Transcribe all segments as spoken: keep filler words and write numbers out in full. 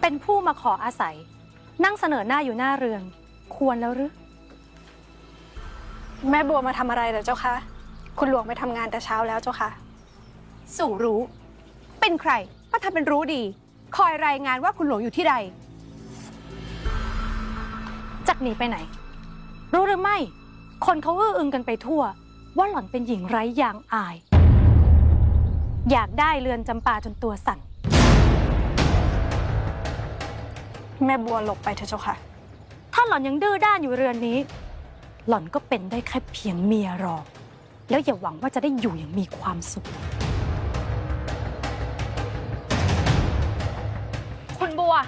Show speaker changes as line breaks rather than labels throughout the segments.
เป็นผู้มาขออาศัยนั่งเสนอหน้าอยู่หน้าเรือนควรแล้วหรือ
แม่บัวมาทำอะไรเหรอเจ้าคะคุณหลวงไปทำงานแต่เช้าแล้วเจ้าค่ะ
สู่รู้เป็นใครก็ทำเป็นรู้ดีคอยรายงานว่าคุณหลวงอยู่ที่ใด
จักหนีไปไหนรู้หรือไม่คนเขาอื้ออึงกันไปทั่วว่าหล่อนเป็นหญิงไร้ยางอายอยากได้เรือนจำปาจนตัวสั่น
แม่บัวหลบไปเถอะเจ้าค่ะ
ถ้าหล่อนยังดื้อด้านอยู่เรือนนี้หล่อนก็เป็นได้แค่เพียงเมียรองแล้วอย่าหวังว่าจะได้อยู่อย่างมีความสุข
คุณบัว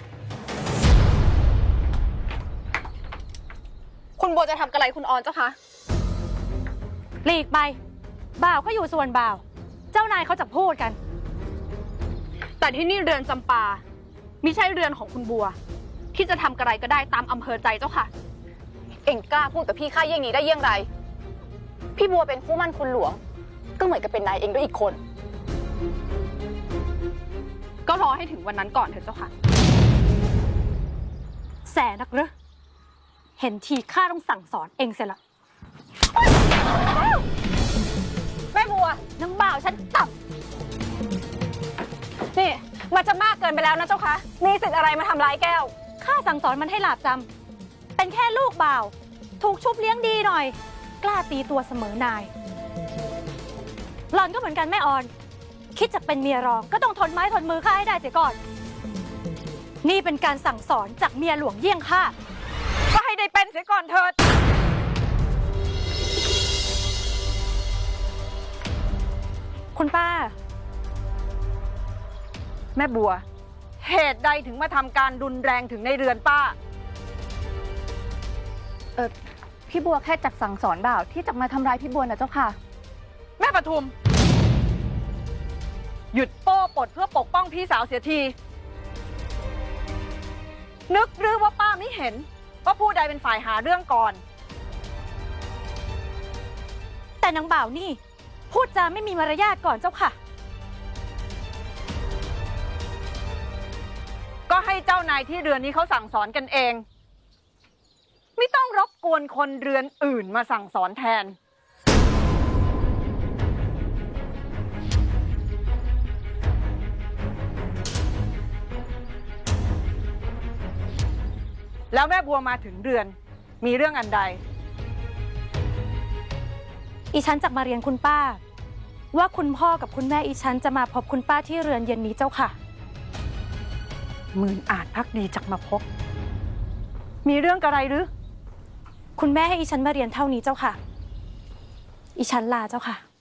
คุณบัวจะทำอะไรคุณออนเจ้าคะ
หลีกไปบ่าวก็อยู่ส่วนบ่าวเจ้านายเขาจะพูดกัน
แต่ที่นี่เรือนจำปามิใช่เรือนของคุณบัวที่จะทำอะไรก็ได้ตามอำเภอใจเจ้าค่ะเอ็งกล้าพูดกับพี่ข้าเยี่ยงนี้ได้เยี่ยงไรพี่บัวเป็นคู่มั่นคุณหลวงก็เหมือนกับเป็นนายเองด้วยอีกคนก็รอให้ถึงวันนั้นก่อนเถอะเจ้าค่ะ
แสนักหรือเห็นทีข้าต้องสั่งสอนเองเสียละ
แม่บัวนางบ่าวฉันต่ำนี่มันจะมากเกินไปแล้วนะเจ้าคะมีสิทธิ์อะไรมาทำร้ายแก้ว
ข้าสั่งสอนมันให้หลาบจำเป็นแค่ลูกบ่าวถูกชุบเลี้ยงดีหน่อยกล้าตีตัวเสมอนายหล่อนก็เหมือนกันแม่ออนคิดจะเป็นเมียรองก็ต้องทนไม้ทนมือข้าให้ได้เสียก่อนนี่เป็นการสั่งสอนจากเมียหลวงเยี่ยงข้า
ก็ให้ได้เป็นเสียก่อนเถิด
คุณป้า
แม่บัวเหตุใดถึงมาทำการรุนแรงถึงในเรือนป้า
เออพี่บัวแค่จักสั่งสอนบ่าวที่จะมาทำร้ายพี่บัวนะเจ้าค่ะ
แม่ปทุมหยุดโป้ปดเพื่อปกป้องพี่สาวเสียทีนึกหรือว่าป้าไม่เห็นว่าผู้ใดเป็นฝ่ายหาเรื่องก่อน
แต่นางบ่าวนี่พูดจาไม่มีมารยาทก่อนเจ้าค่ะ
ก็ให้เจ้านายที่เรือนนี้เขาสั่งสอนกันเองไม่ต้องรบกวนคนเรือนอื่นมาสั่งสอนแทนแล้วแม่บัวมาถึงเรือนมีเรื่องอันใด
อีฉันจักมาเรียนคุณป้าว่าคุณพ่อกับคุณแม่อีฉันจะมาพบคุณป้าที่เรือนเย็นนี้เจ้าค่ะ
หมื่นอาจพักดีจักมาพบมีเรื่องอะไรหรือ
คุณแม่ให้อีฉันมาเรียนเท่านี้เจ้าค่ะอีฉันลาเจ้าค่ะ